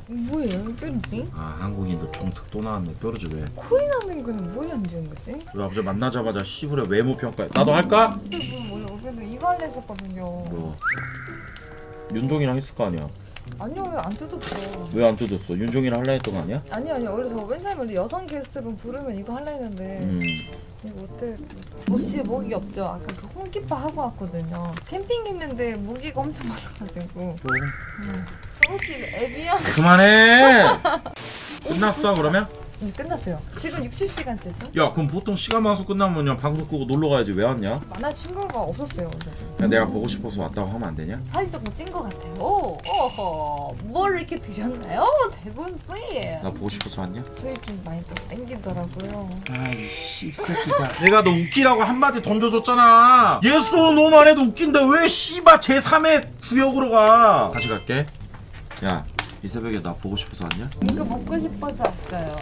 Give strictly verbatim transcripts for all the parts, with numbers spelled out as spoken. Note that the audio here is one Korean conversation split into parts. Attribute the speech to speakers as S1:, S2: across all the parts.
S1: 뭐예요? 뾰루지?
S2: 아 한국인도 정특 또 나왔네. 뾰루지 왜?
S1: 코인 하는 거는 뭐에 안 좋은 거지?
S2: 우리 아버지 만나자마자 시부레 외모 평가. 나도 할까?
S1: 저분 원래 어제도 이거 할래 했었거든요.
S2: 뭐 윤종이랑 했을 거 아니야.
S1: 아니요, 왜 안 뜯었어?
S2: 왜 안 뜯었어? 윤종이랑 할라 했던 거 아니야?
S1: 아니 아니 원래 저 맨날 원래 여성 게스트분 부르면 이거 할라 했는데
S2: 음.
S1: 이거 어때? 옷이 모기 없죠? 아까 그 홈키파 하고 왔거든요. 캠핑 있는데 모기가 엄청 많아가지고. 음. 혹시 애비야?
S2: 그만해. 끝났어 그러면?
S1: 응, 끝났어요. 지금 육십 시간째죠?
S2: 야 그럼 보통 시간 방송 끝나면 그냥 방송 끄고 놀러 가야지. 왜 왔냐?
S1: 만날 친구가 없었어요. 어제도.
S2: 야, 내가 보고 싶어서 왔다고 하면 안 되냐?
S1: 살이 조금 찐 것 같아요. 오, 어허, 뭘 이렇게 드셨나요? 대군 씨.
S2: 나 보고 싶어서 왔냐?
S1: 수입 좀 많이 좀 땡기더라고요.
S2: 아이씨 새끼가 내가 너 웃기라고 한마디 던져줬잖아. 예스 너만 해도 웃긴데 왜 씨바 제삼의 구역으로 가. 다시 갈게. 야 이 새벽에 나 보고 싶어서 왔냐?
S1: 이거 먹고 싶어서 왔어요.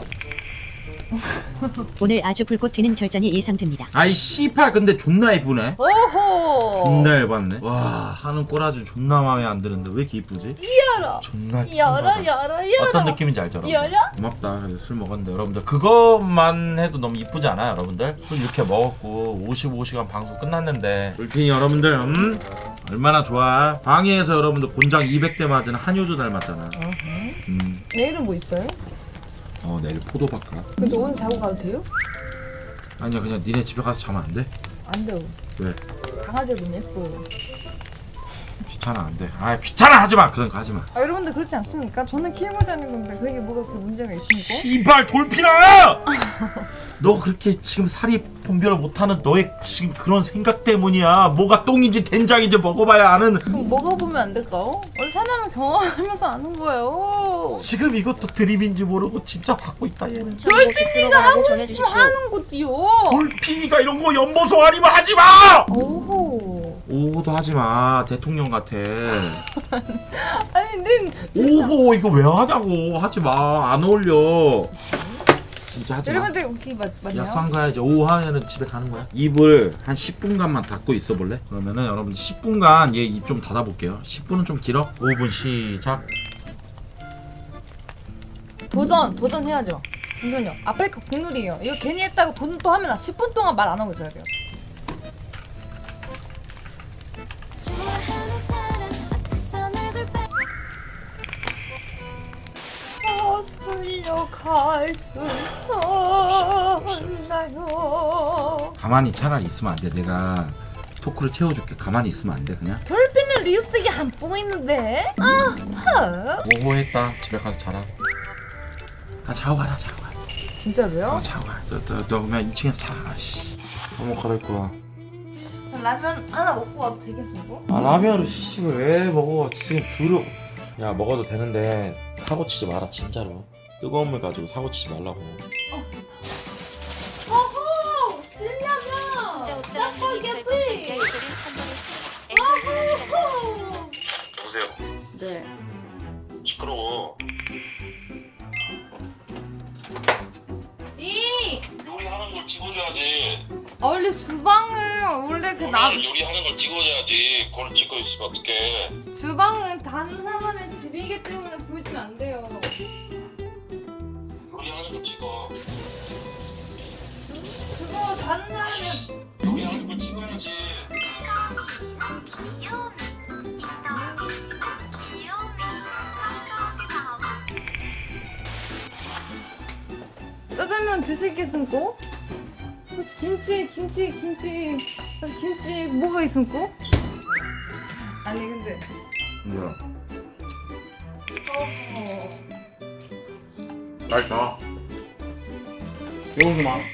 S3: 오늘 아주 불꽃 튀는 결전이 예상됩니다.
S2: 아이 씨팔 근데 존나 이쁘네.
S1: 오호.
S2: 존나 열받네. 와 하는 꼬라지 존나 마음에 안 드는데 왜 이렇게 이쁘지?
S1: 열어.
S2: 존나
S1: 열어,
S2: 킹받아.
S1: 열어, 열어.
S2: 어떤 느낌인지 알죠 여러분?
S1: 열어?
S2: 고맙다. 그래서 술 먹었는데 여러분들 그것만 해도 너무 이쁘지 않아요 여러분들? 술 이렇게 먹었고 오십오 시간 방송 끝났는데 울핀이 여러분들 음? 얼마나 좋아. 방해에서 여러분들 곤장 이백 대 맞은 한효주 닮았잖아. 음.
S1: 내일은 뭐 있어요?
S2: 어 내일 포도박가.
S1: 근데 오늘 자고 가도 돼요?
S2: 아니야 그냥 니네 집에 가서 자면 안 돼?
S1: 안 돼요.
S2: 왜?
S1: 강아지는 예뻐요.
S2: 귀찮아 안 돼. 아 귀찮아 하지마. 그런 거 하지마.
S1: 아, 여러분들 그렇지 않습니까? 저는 키우고자 하는 건데 그게 뭐가 그 문제가 있습니까?
S2: 이발 돌핀아! 너 그렇게 지금 살이 분별을 못하는 너의 지금 그런 생각 때문이야. 뭐가 똥인지 된장인지 먹어봐야 아는.
S1: 그럼 먹어보면 안 될까요? 원래 사람을 경험하면서 아는 거예요.
S2: 지금 이것도 드립인지 모르고 진짜 받고 있다 얘는.
S1: 돌핀이가 하고 싶으면 하는 거지요.
S2: 돌핀이가 이런 거 연보성 아니면 하지마!
S1: 오호.
S2: 오호도 하지마. 대통령 같아.
S1: 아니 는
S2: 오호 이거 왜 하냐고. 하지마. 안 어울려. 진짜 하지마.
S1: 여러분들 웃기 맞, 맞나요?
S2: 약속 가야지. 오후 하면은 집에 가는 거야. 입을 한 십 분간만 닫고 있어 볼래? 그러면은 여러분 십 분간 얘 입 좀 닫아 볼게요. 십 분은 좀 길어. 오 분 시작.
S1: 도전 도전해야죠. 잠시만요. 아프리카 국룰이에요. 이거 괜히 했다고 도전 또 하면 나 십 분 동안 말 안 하고 있어야 돼요. 거슬려갈 수 없나요?
S2: 가만히 차라리 있으면 안 돼. 내가 토크를 채워줄게. 가만히 있으면 안 돼. 그냥.
S1: 돌핀은 리스트가 안 보이는데? 아하.
S2: 오호 했다. 집에 가서 자라. 아 자고 가라. 자고 가.
S1: 진짜로요?
S2: 아 자고 가. 너, 너, 너 그냥 이 층에서 자. 씨. 너무 갈아입고 와.
S1: 라면 하나 먹고 와도 되겠어?
S2: 아 라면을 씨발 왜 먹어. 지금 두루. 야 먹어도 되는데 사고 치지 마라 진짜로. 뜨거운 물 가지고 사고 치지 말라고.
S1: 어허! 진라면! 짜파게티! 어허!
S4: 보세요.
S1: 네.
S4: 시끄러워.
S1: 이!
S4: 요리하는 걸 찍어줘야지.
S1: 아, 원래 주방은 원래 그 나,
S4: 요리, 요리하는 걸 찍어줘야지. 그걸 찍고 있으면 어떡해.
S1: 주방은 다른 사람의 집이기 때문에 보여주면 안 돼요.
S4: 요리하는 걸 찍어.
S1: 그거 다른 사람의
S4: 요리하는 걸 찍어야지.
S1: 짜장면 드시겠습니까? 혹시 김치, 김치, 김치, 김치 뭐가 있습니까? 아니 근데
S2: 뭐야?
S1: 어,
S2: 빨리 가. 이러지 마.